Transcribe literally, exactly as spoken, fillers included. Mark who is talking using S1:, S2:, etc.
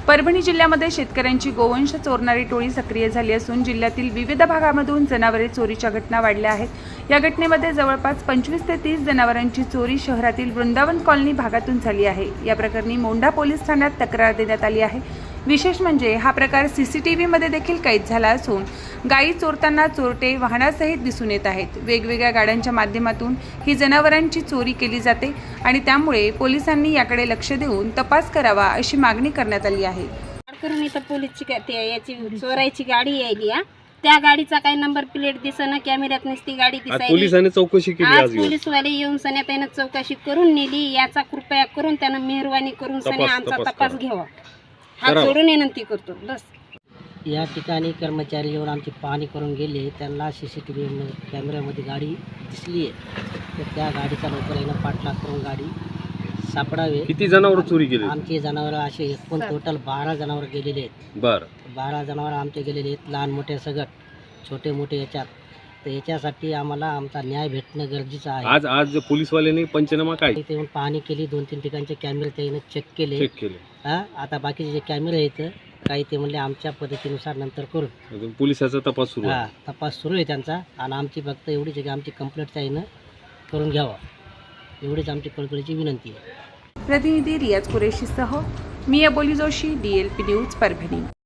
S1: परभणी जिल्ह्यामध्ये शेतकऱ्यांची गोवंश चोरणारी टोळी सक्रिय झाली असून जिल्ह्यातील विविध भागांमधून जनावरे चोरीच्या घटना वाढल्या आहेत। या घटनेमध्ये जवळपास पंचवीस ते तीस जनावरांची चोरी शहरातील वृंदावन कॉलनी भागातून झाली आहे। या प्रकरणी मोंढा पोलीस ठाण्यात तक्रार देण्यात आली आहे। विशेष म्हणजे हा प्रकार सीसीटीव्ही मध्ये देखील कैद झाला असून गायी चोरताना चोरटे वाहनासहित दिसून येत आहेत। वेगवेगळ्या गाड्यांच्या माध्यमातून ही जनावरांची चोरी केली जाते आणि त्यामुळे पोलिसांनी याकडे लक्ष देऊन तपास करावा अशी मागणी करण्यात आली आहे।
S2: करून इथं पोलीसची याची चोरायची गाडी यायली हा, त्या गाडीचा काही नंबर प्लेट दिसना, कॅमेऱ्यात नसती गाडी दिसायली।
S3: पोलिसांनी चौकशी केली,
S2: आज पोलीसवाले येऊन सन्या त्यानं चौकशी करून नेली। याचा कृपया करून त्यानं मेहरबानी करून सन्या आमचा तपास घ्यावा हा जोडून विनंती करतो बस।
S4: या ठिकाणी कर्मचारी येऊन आमची पाहणी करून गेले, त्यांना सी सी टी व्ही कॅमेऱ्यामध्ये गाडी दिसली आहे, तर त्या गाडीचा लवकर येणं पाठलाग करून गाडी सापडावे।
S3: किती जनावर चोरी केली?
S4: आमचे जनावर असे एकूण टोटल बारा जनावर गेलेले आहेत।
S3: बर
S4: बारा जनावर आमचे गेलेले आहेत, लहान मोठे सगट छोटे मोठे याच्यात। तर याच्यासाठी आम्हाला आमचा न्याय भेटणं गरजेचं आहे।
S3: आज आज पोलीसवाल्यांनी पंचनामा काय
S4: इथे येऊन पाहणी केली, दोन तीन ठिकाणचे कॅमेरे त्याने चेक केले
S3: चेक केले।
S4: हा आता बाकीचे जे कॅमेरे आहेत काही ते म्हणले आमच्या पद्धतीनुसार नंतर करू।
S3: पोलिसाचा तपास सुरू
S4: हा तपास सुरू आहे त्यांचा, आणि आमची फक्त एवढीच आहे की आमची कंप्लेंट त्यानं करून घ्यावा, एवढीच आमची कळकळीची विनंती आहे।
S1: प्रतिनिधी रियाज कुरेशीसह मी Aboli Joshi, D L P news Parbhani.